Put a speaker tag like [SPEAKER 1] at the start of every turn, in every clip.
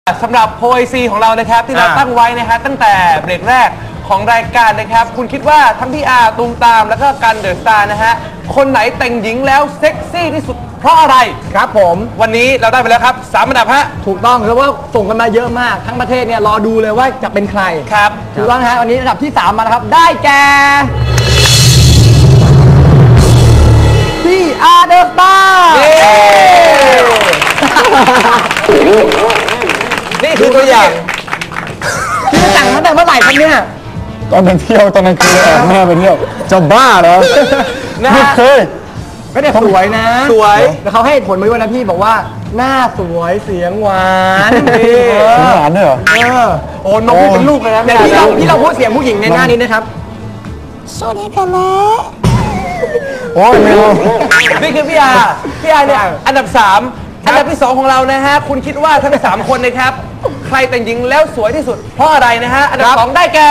[SPEAKER 1] สำหรับ OIC ของเรานะครับที่เราตั้งไว้นะฮะตั้งแต่เบรกแรกของรายการนะครับคุณคิดว่าทั้งพี่อาตูมตามแล้วก็กันเดอะสตาร์นะฮะคนไหนแต่งหญิงแล้วเซ็กซี่ที่สุดเพราะอะไร
[SPEAKER 2] ครับผม
[SPEAKER 1] วันนี้เราได้ไปแล้วครับ3 อันดับฮะ
[SPEAKER 2] ถูกต้องเพราะว่าส่งกันมาเยอะมากทั้งประเทศเนี่ยรอดูเลยว่าจะเป็นใคร
[SPEAKER 1] ครับ
[SPEAKER 2] ถูกต้องฮะวันนี้อันดับที่3มาแล้วครับได้แก่พี่อาเดอะสตาร์
[SPEAKER 1] นี่คือตัวอย่าง
[SPEAKER 2] ที่จะแต่งตั้งแต่เมื่อไหร่ครับเนี่ย
[SPEAKER 3] ตอนไปเที่ยวตอนกลางคืนแอบแม่ไปเที่ยวจะบ้าเหรอไม่เคย
[SPEAKER 2] ไม่ได้สวยนะ
[SPEAKER 1] สวย
[SPEAKER 2] แต่เขาให้ผลมาด้วยนะพี่บอกว่าหน้าสวยเสียงหวาน
[SPEAKER 3] เสียงหวานด้วยเหรอ
[SPEAKER 2] โอ้นกพี่เป็นลูกเลยนะเดี๋ยวที่เราพูดเสียงผู้หญิงในหน้านี้นะครับ
[SPEAKER 4] สวัสดีค่ะแม่
[SPEAKER 3] โอ้ยไม่รู้
[SPEAKER 1] นี่คือพี่อาเนี่ยอันดับ3อันดับที่2ของเรานะฮะคุณคิดว่าทั้ง3คนนะครับใครแต่งหญิงแล้วสวยที่สุดเพราะอะไรนะฮะอันดับ2ได้แก่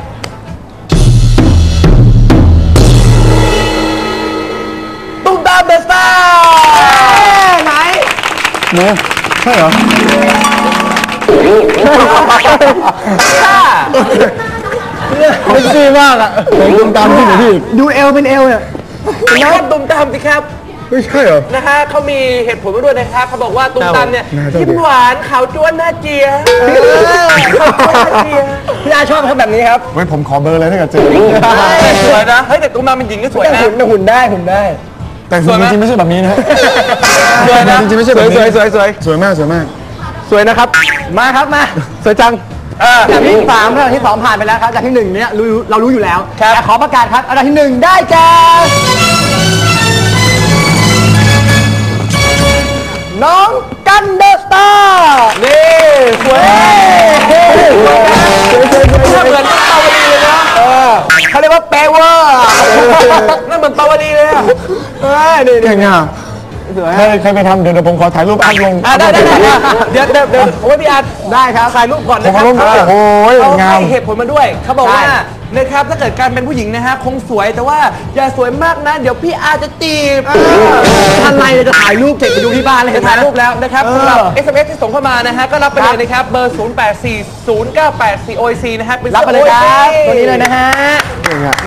[SPEAKER 1] ตุ้มตามเดอะสตาร์ไหน
[SPEAKER 3] เนี่ยใช่เหรอไม่ซีมากอะตุ้มตามที่ไหนพี่
[SPEAKER 2] ดูเอวเป็นเอวเนี่ย
[SPEAKER 1] น้องตุ้มตามสิครับ
[SPEAKER 3] ไม่ใช่เหรอ
[SPEAKER 1] นะฮะเขามีเหตุผลมาด้วยนะครับเขาบอกว่าตุ้มตามเนี่ยยิ้มหวานขาวจ้วนหน้าเจีย
[SPEAKER 2] พี่อาชอบเขาแบบนี้ครับ
[SPEAKER 3] เว้ยผมขอเบอร์เลยถ้าเกิดเจอ
[SPEAKER 1] สวยนะเฮ้ยแต่ตุ้มตามเป็นหญิงก็สวยนะ
[SPEAKER 2] หุ่นได้
[SPEAKER 3] แต่จริงๆไม่ใช่แบบนี้นะ
[SPEAKER 1] สวยนะ
[SPEAKER 3] จริงๆไม่ใช่แบบนี้สวยมาก
[SPEAKER 1] สวยนะครับ
[SPEAKER 2] มาครับมา
[SPEAKER 1] สวยจัง
[SPEAKER 2] จากที่3อันดับที่2ผ่านไปแล้วครับจากที่1เนี่ยเรารู้อยู่แล้วแต่ขอประกาศครับอันดับที่1ได้แก่น้องกันเดอะสตาร์
[SPEAKER 1] นี่สวยเหมือนปาวลีเลยนะ
[SPEAKER 2] เขาเรียกว่าเปเวอร์
[SPEAKER 1] นั่นเหมือนปาวลีเลยอ่ะ
[SPEAKER 3] นี่เก่งอ่ะเคยไปทำเดี๋ยวผมขอถ่ายรูปอัพลง
[SPEAKER 1] ได้เดี๋ยวโอ้ยพี่อาร์ต
[SPEAKER 2] ได้ครับ
[SPEAKER 1] ถ่ายรูปก่อนนะครับ
[SPEAKER 3] โอ้ยงาม
[SPEAKER 1] เหตุผลมาด้วยเขาบอกว่านะครับถ้าเกิดการเป็นผู้หญิงนะฮะคงสวยแต่ว่าอย่าสวยมากนะเดี๋ยวพี่อาร์จะจีบ
[SPEAKER 2] อะไรจะถ่ายรูปเก็บไปดูที่บ้านเลย
[SPEAKER 1] จะถ่ายรูปแล้วนะครับสำหรับ SMS ที่ส่งเข้ามานะฮะก็รับไปเลยนะครับเบอร์ 084098 4OIC นะฮะ
[SPEAKER 2] รับไปเลยครับตัวนี้เลยนะฮะ